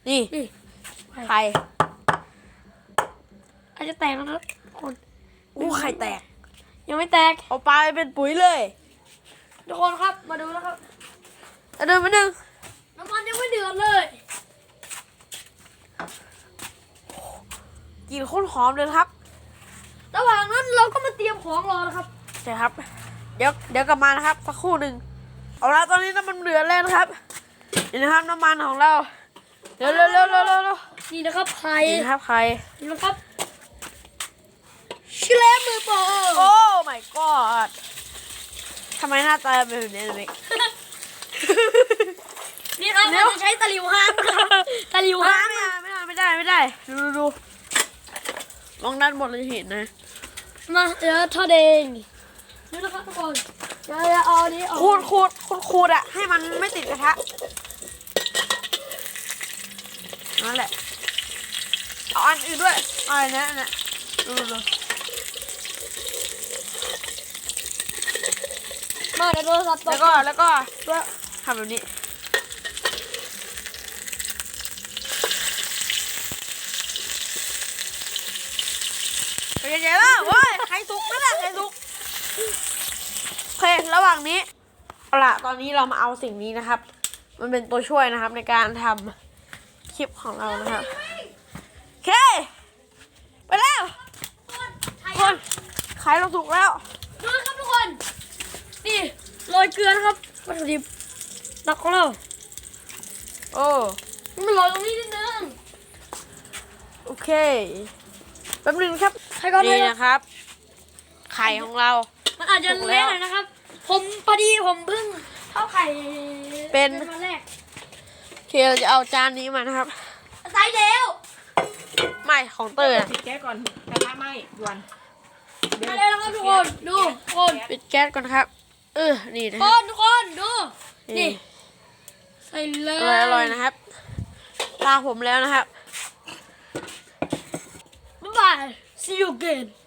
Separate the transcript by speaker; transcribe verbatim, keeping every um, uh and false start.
Speaker 1: นี่
Speaker 2: นี่
Speaker 1: ไข่
Speaker 2: อาจจะแตกแล้วนะครับคน
Speaker 1: อู้ไข่แตก
Speaker 2: ยังไม่แตก
Speaker 1: เอาปลาไปเป็นปุ๋ยเลย
Speaker 2: ทุกคนครับมาดูนะครับ
Speaker 1: เอาเดินมาหนึ่ง
Speaker 2: น้ำมันยังไม่เดือดเลย
Speaker 1: กลิ่นโคตรหอมเลยครับ
Speaker 2: ระหว่างนั้นเราก็มาเตรียมของรอนะครับ
Speaker 1: ใช่ครับ เดี๋ยวเดี๋ยวกลับมานะครับสักครู่หนึ่งเอาละตอนนี้น้ำมันเดือดแล้วนะครับนี่นะครับน้ำมันของเราเร็วเร็วเร็วเร็วเร็วเร็ว
Speaker 2: นี่นะครับไข่
Speaker 1: นี่นะครับไข่
Speaker 2: นี่นะครับชิเลมือโปร
Speaker 1: โอ้ my god ทำไมหน้าตาเป็นแบบนี้เลย
Speaker 2: นี่ครับเราจะใช้ตะหลิวห้างนะครับตะหลิวห้าง
Speaker 1: ไม่ได้ไม่ได้ไม่ได้ไม่ได้ดูดูดูมองด้านบนเลยเห็นนะ
Speaker 2: มาเดี๋ยวทอดเองนี่นะครับทุกคนเดี๋ยวจะเอาอันนี้ออก
Speaker 1: ขูดขูดขูดขูดอะให้มันไม่ติดกระทะนั่นแหละเอาอันอื่นด้วยเอาอันนี้อันนี้ดูดูดู
Speaker 2: มาเดี๋ยวโทรศัพท์ต
Speaker 1: แล้ว
Speaker 2: ก
Speaker 1: ก็แล้วก็ทำแบบนี้ไปใหญ่ๆแล้วเว้ยไข่สุกนั่นแหละไข่สุกโอเคระหว่างนี้เอาล่ะตอนนี้เรามาเอาสิ่งนี้นะครับ มันเป็นตัวช่วยนะครับในการทำคลิปของเรานะครับโอเคไปแล้วคนไข่เราสุกแล้ว
Speaker 2: ดูนะครับทุกคน นี่โรยเกลือนะครับวัตถุดิบหลักของเรา
Speaker 1: โอ้
Speaker 2: มันโรยตรงนี้นิดนึง
Speaker 1: โอเคแป๊บนึงครับ
Speaker 2: ใครก่อนเลย
Speaker 1: นี่
Speaker 2: นะ
Speaker 1: นะครับ ไข่ของเรา
Speaker 2: มันอาจจะ
Speaker 1: ถูกแล้
Speaker 2: เละ
Speaker 1: ว
Speaker 2: หน่อยนะครับ ผมพอดีผมเพิ่งเข้าไข่
Speaker 1: เป็น
Speaker 2: วันแรก
Speaker 1: โอเคเราจะเอาจานนี้มานะครับ
Speaker 2: ใส่แล้ว
Speaker 1: ไม่ของเตอร์
Speaker 3: ปิดแก๊สก่อนกระทะไหม้ด่วน
Speaker 2: มาแล้วนะครับทุกคนดูทุกคน
Speaker 1: ปิดแก๊สก่อนครับ เออนี่นะ
Speaker 2: ทุก
Speaker 1: ค
Speaker 2: ครับ นทุกคนดู
Speaker 1: นี่
Speaker 2: นี่ใส่เล
Speaker 1: อย ร่อยอร่อยนะครับตาผมแล้วนะครับ
Speaker 2: บ๊ายบาย see you again